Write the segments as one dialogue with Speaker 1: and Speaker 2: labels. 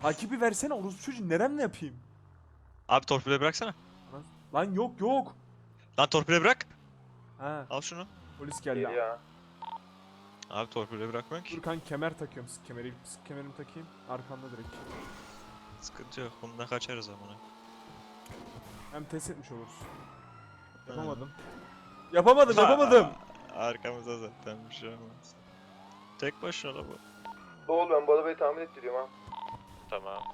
Speaker 1: Takibi versene orospu çocuğu, neremle yapayım?
Speaker 2: Abi torpile bıraksana.
Speaker 1: Lan yok.
Speaker 2: Lan torpile bırak.
Speaker 1: Ha,
Speaker 2: Al şunu.
Speaker 1: polis geldi.
Speaker 3: Geliyor.
Speaker 2: Abi torpile bırakmıyorsun
Speaker 1: Dur
Speaker 2: ki.
Speaker 1: kanka, kemer takıyorum. Sık kemerimi takayım. Arkanda direkt.
Speaker 2: Sıkıntı yok. Bundan kaçarız amına.
Speaker 1: Hem test etmiş oluruz. Yapamadım. Yapamadım.
Speaker 2: Arkamızda zaten bir şey olmaz. Tek başına da bu.
Speaker 3: Oğlum ben bu arabayı tahmin ettiriyorum ha.
Speaker 2: Tamam.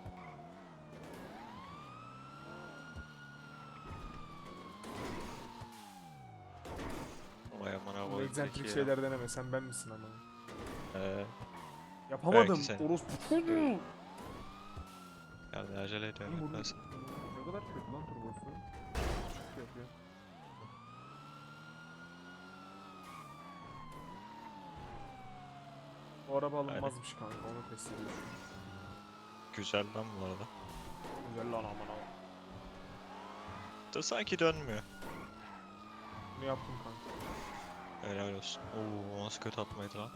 Speaker 2: Vay amına
Speaker 1: Bu
Speaker 2: koyayım.
Speaker 1: egzantrik
Speaker 2: peki
Speaker 1: şeyler deneme. Sen ben misin ama?
Speaker 2: ya.
Speaker 1: Yapamadım.
Speaker 2: Belki sen.
Speaker 1: Orospu çocuğu.
Speaker 2: Yani acele ediyorum.
Speaker 1: Oğlum,
Speaker 2: Nasıl?
Speaker 1: ne kadar kötü lan turbosu. Çok yapıyor. Bu araba alınmazmış kanka, onu test ediyorum.
Speaker 2: Güzel lan bu arada.
Speaker 1: Güzel lan aman.
Speaker 2: Da sanki dönmüyor.
Speaker 1: Bunu yaptım kanka.
Speaker 2: Helal olsun. Oo nasıl kötü atmaydı lan.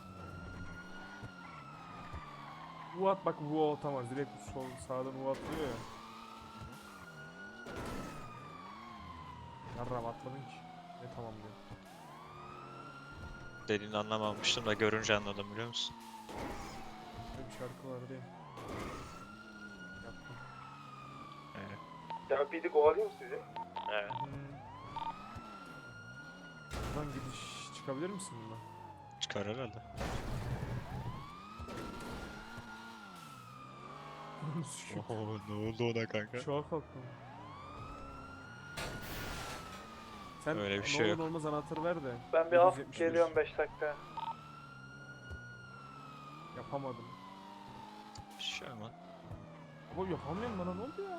Speaker 1: Bu at bak, bu atamaz. Direkt sol sağdan bu atlıyor ya. Yarram atmadın ki. Ne tamam diyor.
Speaker 2: Dediğini anlamamıştım da görünce anladım biliyor musun?
Speaker 1: Böyle bir şarkı var değil. Yaptım.
Speaker 2: Evet.
Speaker 3: Ya bir de kovalayayım mı sizi?
Speaker 2: Evet.
Speaker 1: Buradan gidiş çıkabilir misin bundan?
Speaker 2: Çıkar herhalde. Oho ne oldu ona kanka?
Speaker 1: Şoğa kalktım. Sen
Speaker 2: Öyle bir
Speaker 1: ne
Speaker 2: şey
Speaker 1: olur
Speaker 2: yok.
Speaker 1: ne olmaz anahtarı ver de.
Speaker 3: Ben bir af
Speaker 1: 771.
Speaker 3: geliyorum 5 dakika.
Speaker 1: Yapamadım.
Speaker 2: Bir şey ama.
Speaker 1: Ama yapamıyorum, bana ne oldu ya?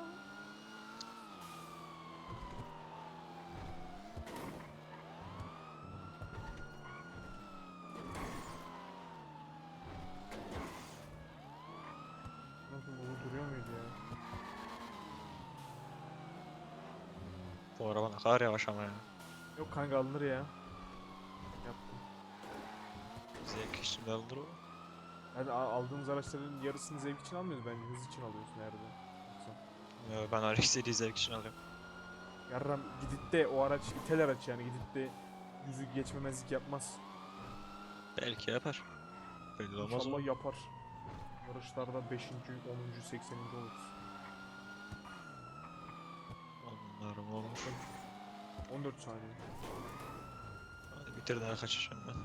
Speaker 1: Nasıl bu duruyor muydu ya?
Speaker 2: Bu araba ne kadar yavaş ama ya.
Speaker 1: Yok kanka, alınır ya. Yaptım.
Speaker 2: Zevk için alınır o.
Speaker 1: Yani aldığımız araçların yarısını zevk için almıyoruz, bence hız için alıyoruz nerede? Yoksa.
Speaker 2: Ya ben RX-7'yi zevk için alıyorum.
Speaker 1: Yarram gidip de o araç itel araç, yani gidip de yüzü geçmemezlik yapmaz.
Speaker 2: Belki yapar. Belli olmaz
Speaker 1: İnşallah
Speaker 2: o.
Speaker 1: yapar. Yarışlarda 5. 10. 80. oluruz.
Speaker 2: Onlarım olur.
Speaker 1: 14 saniye.
Speaker 2: Hadi bitir daha kaçacağım ben.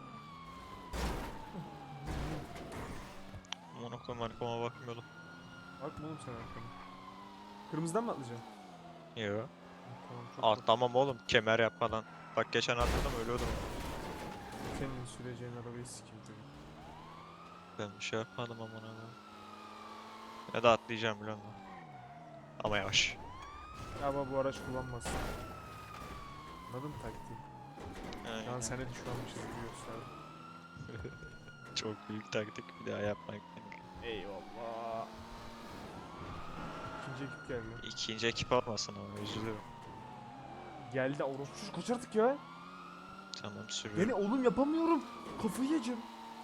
Speaker 2: Aman okuyum arkama bakmıyordum.
Speaker 1: Bakma oğlum sen arkana. Kırmızıdan mı atlayacaksın?
Speaker 2: Yo.
Speaker 1: Tamam, çok bak.
Speaker 2: Atlamam oğlum kemer yapmadan. Bak geçen atladım ölüyordum.
Speaker 1: Senin süreceğin arabayı sikeyim çocuk.
Speaker 2: Ben bir şey yapmadım aman abi. Ya da atlayacağım biliyor musun? Ama yavaş.
Speaker 1: Ama bu araç kullanmazsın. Anladın mı taktiği?
Speaker 2: Aynen.
Speaker 1: Şu an sene düşmanmışız gibi gösterdim.
Speaker 2: Çok büyük taktik bir daha yapmak.
Speaker 1: Eyvallah. İkinci ekip geldi.
Speaker 2: İkinci ekip olmasın ama üzülüyorum.
Speaker 1: Geldi orospu çocuk, kaç artık ya?
Speaker 2: Tamam sürüyorum.
Speaker 1: Beni oğlum yapamıyorum. Kafayı yiyeceğim.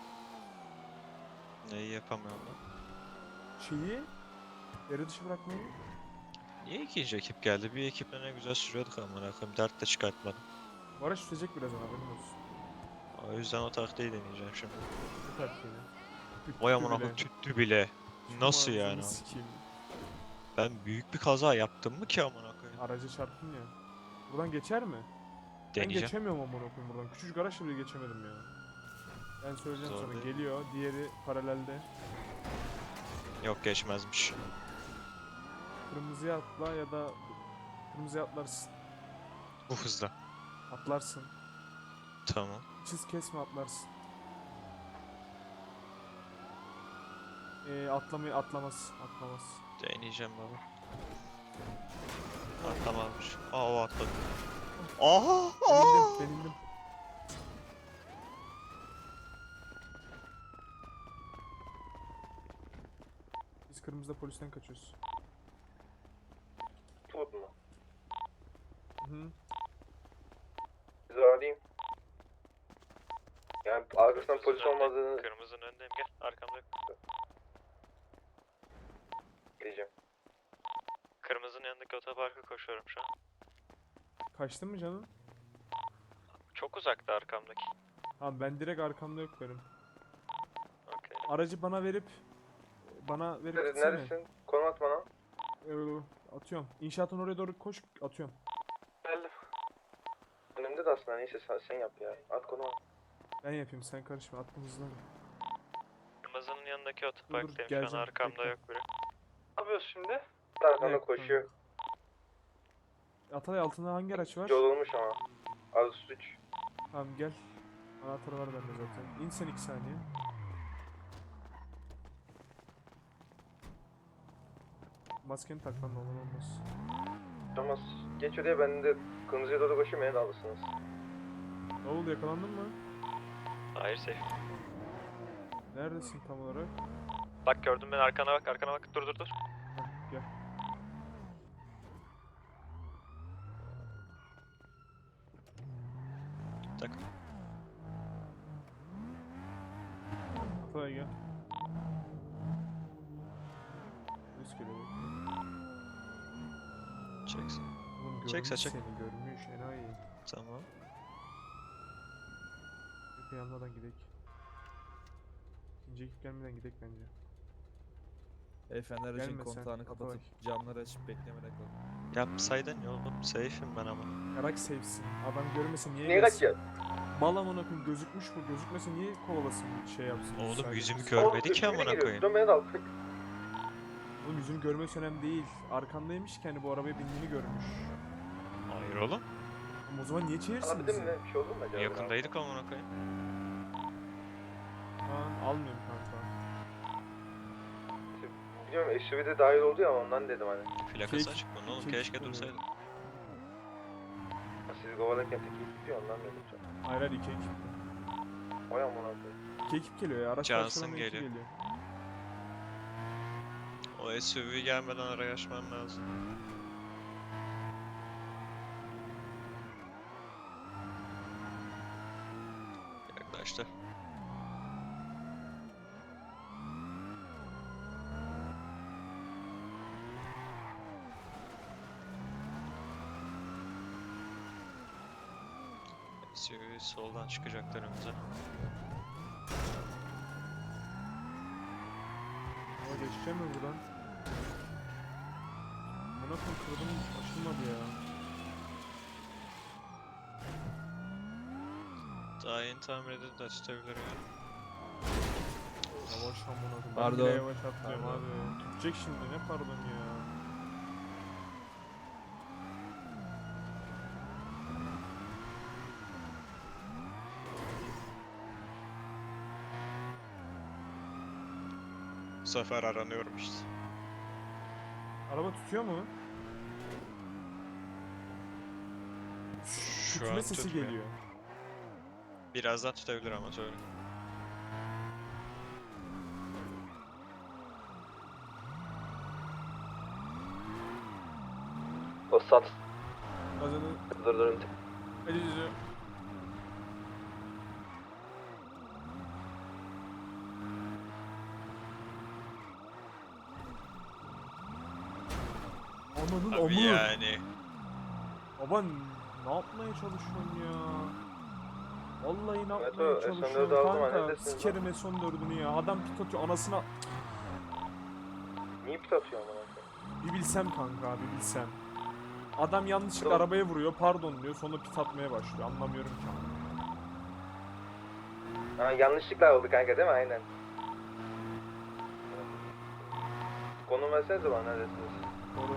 Speaker 2: Neyi yapamıyorum lan?
Speaker 1: Şeyi yarı dışı bırakmayı.
Speaker 2: Niye ikinci ekip geldi? Bir ekiple ne güzel sürüyorduk amına koyayım. Dert de çıkartmadım.
Speaker 1: Bu araç sürecek birazdan, haberin olsun.
Speaker 2: O yüzden o taktiği deneyeceğim şimdi.
Speaker 1: Bu taktiğini.
Speaker 2: Vay amına koyayım tüttü bile. Nasıl yani?
Speaker 1: Sikeyim.
Speaker 2: Ben büyük bir kaza yaptım mı ki amına koyayım?
Speaker 1: Araca çarptın ya. Buradan geçer mi? Ben
Speaker 2: Deneyeceğim.
Speaker 1: geçemiyorum amına koyayım buradan. Küçücük araçla bile geçemedim ya. Ben söyleyeceğim
Speaker 2: Zor
Speaker 1: sana,
Speaker 2: değil.
Speaker 1: geliyor. Diğeri paralelde.
Speaker 2: Yok geçmezmiş.
Speaker 1: Kırmızıya atla ya da kırmızıya atlarsın.
Speaker 2: Bu hızla.
Speaker 1: Atlarsın.
Speaker 2: Tamam.
Speaker 1: Çiz kesme, atlarsın. Atlamaz.
Speaker 2: Deneyeceğim baba. Atlamamış. Aa o atladı. Aha!
Speaker 1: Benildim. Biz kırmızıda polisten kaçıyoruz.
Speaker 3: Tut mu?
Speaker 1: Hı.
Speaker 3: Sizi arayayım. Yani arkasından polis olmadığını...
Speaker 2: Kırmızının önündeyim gel arkamda.
Speaker 3: diyeceğim.
Speaker 2: Kırmızının yanındaki otoparka koşuyorum şu an.
Speaker 1: Kaçtın mı canım?
Speaker 2: Çok uzakta arkamdaki.
Speaker 1: Tamam ben direkt arkamda yok benim.
Speaker 2: Okey.
Speaker 1: Aracı bana verip gitsene.
Speaker 3: Neredesin? Konum at bana.
Speaker 1: Atıyorum. İnşaatın oraya doğru koş, atıyorum.
Speaker 3: Geldim. Önümde de aslında, neyse sen yap ya. At konumu.
Speaker 1: Ben yapayım, sen karışma, attım hızlanı.
Speaker 2: Kırmızının yanındaki otoparktayım. Şu an
Speaker 1: geleceğim,
Speaker 2: arkamda
Speaker 1: bekle.
Speaker 2: yok biri.
Speaker 3: Ne yapıyorsun şimdi? Arkanda
Speaker 1: Evet,
Speaker 3: koşuyor.
Speaker 1: Atalay altında hangi araç var?
Speaker 3: Yol olmuş ama. Az suç.
Speaker 1: Tamam gel. Anahtarı var bende zaten. İn sen 2 saniye. Maskeni tak lan, olur olmaz.
Speaker 3: Olmaz. Geç oraya, ben de kırmızıya doğru koşayım, beni de alırsınız.
Speaker 1: Ne oldu, yakalandın mı?
Speaker 2: Hayır safe.
Speaker 1: Neredesin tam olarak?
Speaker 2: Bak gördün beni, arkana bak, arkana bak. Dur dur dur.
Speaker 1: Heh, gel.
Speaker 2: Tak.
Speaker 1: Atalay gel. Üst geliyor.
Speaker 2: Çeksin.
Speaker 1: Oğlum
Speaker 2: Çek,
Speaker 1: görmüş
Speaker 2: çek.
Speaker 1: seni, görmüş enayi.
Speaker 2: Tamam.
Speaker 1: Bir yanmadan gidek. İkinci ekip gelmeden gidek bence.
Speaker 4: Beyefendi aracın
Speaker 1: Gelme sen,
Speaker 4: kontağını
Speaker 1: Atalay.
Speaker 4: kapatıp camları açıp beklemede kalın.
Speaker 2: Yapsaydın ya oğlum. Safe'im ben ama.
Speaker 1: Yarak sevsin. Adam görmesin niye
Speaker 3: Niye
Speaker 1: gelsin?
Speaker 3: kaçıyor?
Speaker 1: Mal amına koyayım, gözükmüş mü? Gözükmese niye kovalasın, şey yapsın?
Speaker 2: Oğlum
Speaker 1: saygısız.
Speaker 2: yüzümü görmedi ki
Speaker 3: Oğlum,
Speaker 2: amına
Speaker 3: geliyor.
Speaker 2: koyayım.
Speaker 3: Dön beni de al.
Speaker 1: Oğlum yüzünü görmesi önemli değil. Arkandaymış ki hani bu arabaya bindiğini görmüş.
Speaker 2: Hayır oğlum.
Speaker 1: Ama o zaman niye çevirsin
Speaker 3: Anlatabildim
Speaker 1: bizi?
Speaker 3: mi? Bir şey oldu mu acaba?
Speaker 2: Yakındaydık amına koyayım.
Speaker 1: Kaan almıyorum kanka.
Speaker 3: Biliyorum, SUV'de dahil oldu ya, ondan dedim hani.
Speaker 2: Plakası
Speaker 1: Kek-
Speaker 2: açık bunun oğlum.
Speaker 1: kek
Speaker 2: Keşke
Speaker 1: oluyor.
Speaker 2: dursaydı.
Speaker 3: Sizi kovalarken tek ekip gidiyor, ondan dedim canım.
Speaker 1: Hayır hayır, 2 ekip.
Speaker 3: Vay amına koyayım.
Speaker 1: 2 ekip geliyor ya. Araç
Speaker 2: Johnson
Speaker 1: parçalarına iki
Speaker 2: geliyor.
Speaker 1: geliyor.
Speaker 2: O SUV gelmeden araya açman lazım. Yaklaştı. SUV soldan çıkacaklar önümüze.
Speaker 1: Ama geçeceğim mi buradan? Buna kontrolüm açılmadı ya.
Speaker 2: Daha yeni tamir edildi, açılabilir ya.
Speaker 1: Yavaş amına koyayım. Ben
Speaker 4: Pardon.
Speaker 1: bile yavaş atlıyorum
Speaker 4: Pardon.
Speaker 1: abi. Tutacak şimdi, ne pardon ya.
Speaker 2: Bu sefer aranıyorum işte.
Speaker 1: Araba tutuyor mu?
Speaker 2: Şu
Speaker 1: Tütme
Speaker 2: an
Speaker 1: sesi
Speaker 2: tutmuyor.
Speaker 1: geliyor.
Speaker 2: Birazdan tutabilir ama söyle.
Speaker 3: O sat.
Speaker 1: Gazını
Speaker 3: Dur.
Speaker 1: acıcı. Ananın
Speaker 2: Abi
Speaker 1: amı.
Speaker 2: yani.
Speaker 1: Baba ne yapmaya çalışıyorsun ya? Vallahi ne
Speaker 3: Evet,
Speaker 1: yapmaya
Speaker 3: o S14'ü
Speaker 1: çalışıyorsun
Speaker 3: aldım,
Speaker 1: kanka?
Speaker 3: neredesiniz lan?
Speaker 1: Sikerim S14'ünü ya. Adam pit atıyor anasına.
Speaker 3: Niye pit atıyor amına koyayım?
Speaker 1: Bir bilsem kanka, bir bilsem. Adam yanlışlıkla
Speaker 3: Yok.
Speaker 1: arabaya vuruyor, pardon diyor, sonra pit atmaya başlıyor. Anlamıyorum ki.
Speaker 3: Ha, yanlışlıkla oldu kanka değil mi? Aynen. Konum versenize bana, neredesiniz?
Speaker 1: Doğru.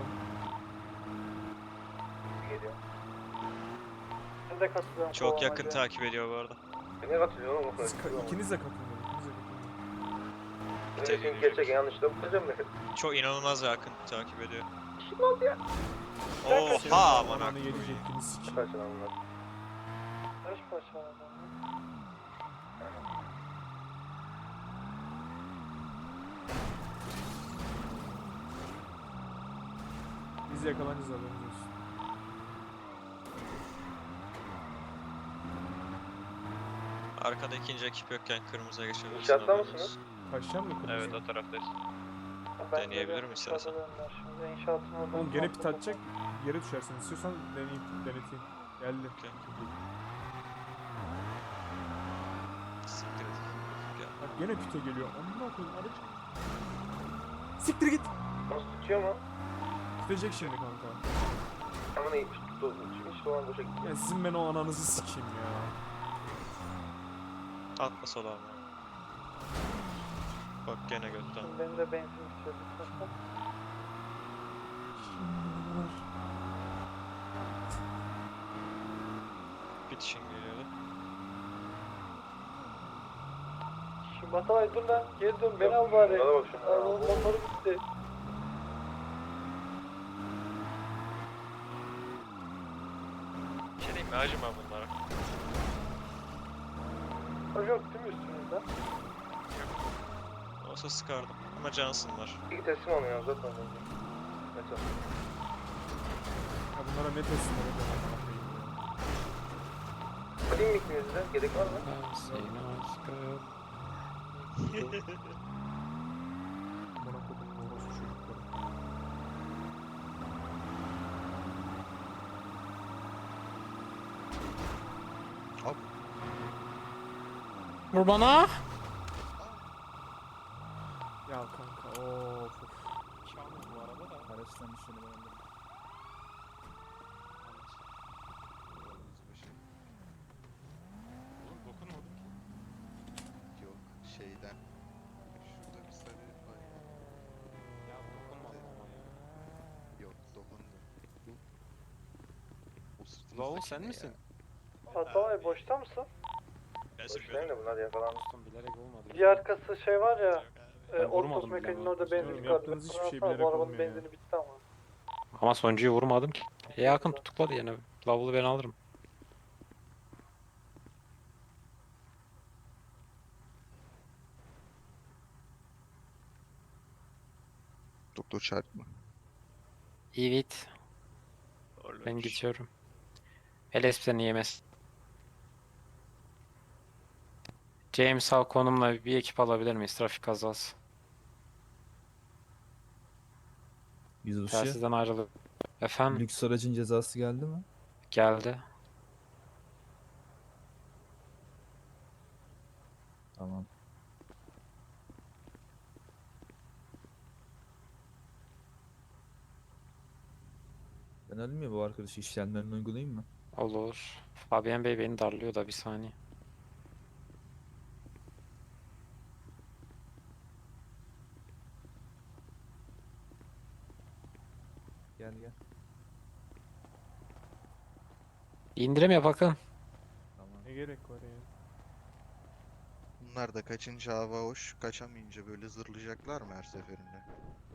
Speaker 3: Geliyor. Ben de katılıyorum.
Speaker 2: Çok yakın takip ediyor bu arada.
Speaker 3: Beni katılıyor oğlum.
Speaker 1: İkiniz de katılın. İkiniz de katılın.
Speaker 3: Ben de çünkü gerçek yanlışla bulacağım ben.
Speaker 2: Çok inanılmaz yakın takip ediyor.
Speaker 3: Kim oldu ya?
Speaker 2: Oha aman
Speaker 1: Ananı
Speaker 2: akıllı.
Speaker 1: yedicektiniz sikeyim.
Speaker 3: Kaçın bunlar. Kaç parça
Speaker 1: Biz yakalanacağız, haberiniz olsun.
Speaker 2: Arkada ikinci ekip yokken kırmızıya geçebilirsin.
Speaker 3: İnşaatta
Speaker 2: haberiniz
Speaker 3: mısınız?
Speaker 2: olsun.
Speaker 1: Kaçacağım mı kırmızı?
Speaker 2: Evet o taraftayız. Deneyebilirim istersen.
Speaker 3: Şimdi inşaatın oradan
Speaker 1: Oğlum gene
Speaker 3: kalktı
Speaker 1: pit atacak.
Speaker 3: bakalım.
Speaker 1: Yere düşersin. İstiyorsan deneteyim. Geldi.
Speaker 2: Okey. Siktir et. Gel.
Speaker 1: Bak gene pite geliyor. Amına koyayım araç. Siktir git.
Speaker 3: Nasıl tutuyor mu?
Speaker 1: Gidecek şimdi kanka.
Speaker 3: Ama ne tuttu? Hiç dolan boşa gitti.
Speaker 1: Ya sizin ben o ananızı sikeyim ya.
Speaker 2: Atma sola ama. Bak gene götten.
Speaker 3: Benim de benzin istiyordu.
Speaker 2: Bitişin geliyordu.
Speaker 3: Şimdi Batalay dur lan. Geri dön. Beni al bari. Hadi bak şuna. Motoru gitti.
Speaker 2: Bir şey diyeyim mi? Acıma bunlara.
Speaker 3: Yok değil mi üstünüzde?
Speaker 2: Olsa sıkardım. Ama cansınlar.
Speaker 3: İlk teslim olmuyor zaten. Metal.
Speaker 1: Ya bunlara ne teslim olacağım amına koyayım ya.
Speaker 3: Alayım mı ikinizi de? Gerek var mı?
Speaker 1: Amına koydum orospu çocukları.
Speaker 5: Vur bana.
Speaker 1: Ya kanka of.
Speaker 4: Araçtan düşeni ben alırım.
Speaker 6: Oğlum dokunmadım ki. Yok şeyden. Şurada bir sarı var ya. Ya dokunmadım ama ya. Yok dokundum. Bu. O sırtımızdaki
Speaker 7: Lavul sen
Speaker 6: ne
Speaker 7: misin?
Speaker 6: ya?
Speaker 3: Batalay boşta mısın?
Speaker 2: Ben
Speaker 3: Boştayım
Speaker 2: sürüyorum.
Speaker 3: da bunlar yakalandı.
Speaker 7: Dostum bilerek olmadı.
Speaker 3: Bir arkası şey var ya.
Speaker 2: Yok abi.
Speaker 7: Ben
Speaker 3: Ortos
Speaker 7: vurmadım bile
Speaker 3: mekaniğinin
Speaker 7: ama.
Speaker 3: orada
Speaker 1: Diyorum,
Speaker 3: benzin
Speaker 1: yaptığınız hiçbir şey bilerek
Speaker 3: Bu arabanın
Speaker 1: olmuyor ya.
Speaker 3: benzini bitti ama.
Speaker 7: Ama sonuncuyu vurmadım ki. Yakın tutukladı yine. Lavulu ben alırım.
Speaker 6: Doktor çarpma.
Speaker 7: Evet. Ben
Speaker 2: Horlamış.
Speaker 7: geçiyorum. LSP seni yemez. James Hall konumla bir ekip alabilir miyiz? Trafik kazası.
Speaker 4: Yüzbaşı.
Speaker 7: Telsizden ayrılıp. Efendim
Speaker 4: Lüks aracın cezası geldi mi?
Speaker 7: geldi.
Speaker 4: Tamam. Ben alayım ya bu arkadaşı işlemlerini uygulayayım mı?
Speaker 7: Olur. Fabian Bey beni darlıyor da bir saniye.
Speaker 4: Gel gel.
Speaker 7: İndirim yap Akın.
Speaker 4: Tamam.
Speaker 1: Ne gerek var ya?
Speaker 6: Bunlar da kaçınca hava hoş, kaçamayınca böyle zırlayacaklar mı her seferinde?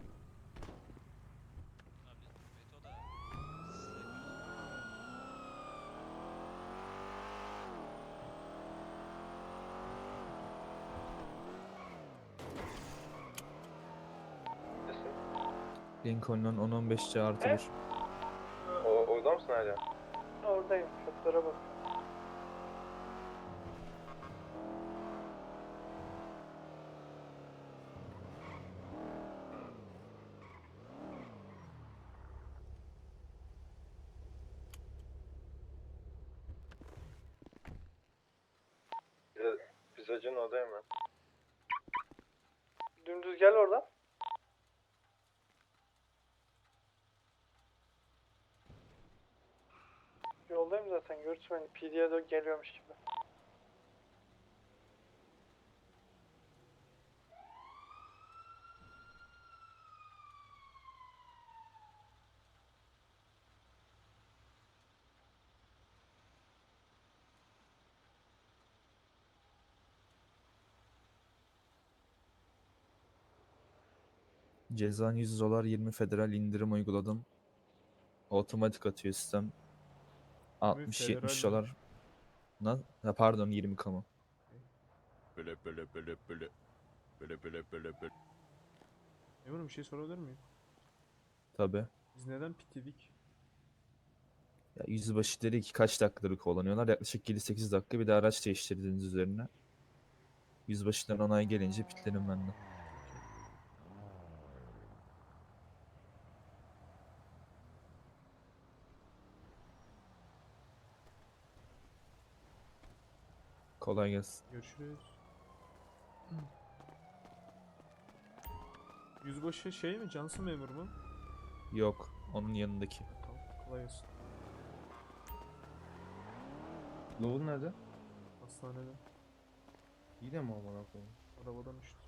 Speaker 4: Lincoln'un 10-15 artı 1.
Speaker 3: Orada mısın hala? Oradayım. Şoföre bak. Pizzacının oradayım ben. Dümdüz gel oradan. Yoldayım zaten görürsün beni. PD'ye doğru geliyormuş gibi.
Speaker 4: Cezan $100, 20 federal indirim uyguladım. Otomatik atıyor sistem. 60-70
Speaker 1: federal mi?
Speaker 4: dolar. Ha, pardon 20 kamu.
Speaker 1: Memurum bir şey sorabilir miyim?
Speaker 4: Tabi.
Speaker 1: Biz neden pit yedik?
Speaker 4: Ya yüzbaşı dedi ki kaç dakikadır kullanıyorlar? Yaklaşık 7-8 dakika bir de araç değiştirdiğiniz üzerine. Yüzbaşıdan onay gelince pitlerim ben de. Kolay gelsin.
Speaker 1: Görüşürüz. Yüzbaşı şey mi? Cansın memur mu?
Speaker 4: Yok. Onun yanındaki.
Speaker 1: Tamam. Kolay gelsin.
Speaker 8: Lovun nerede?
Speaker 1: Hastanede.
Speaker 8: Yine mi amına koyayım?
Speaker 1: Arabadan düştü.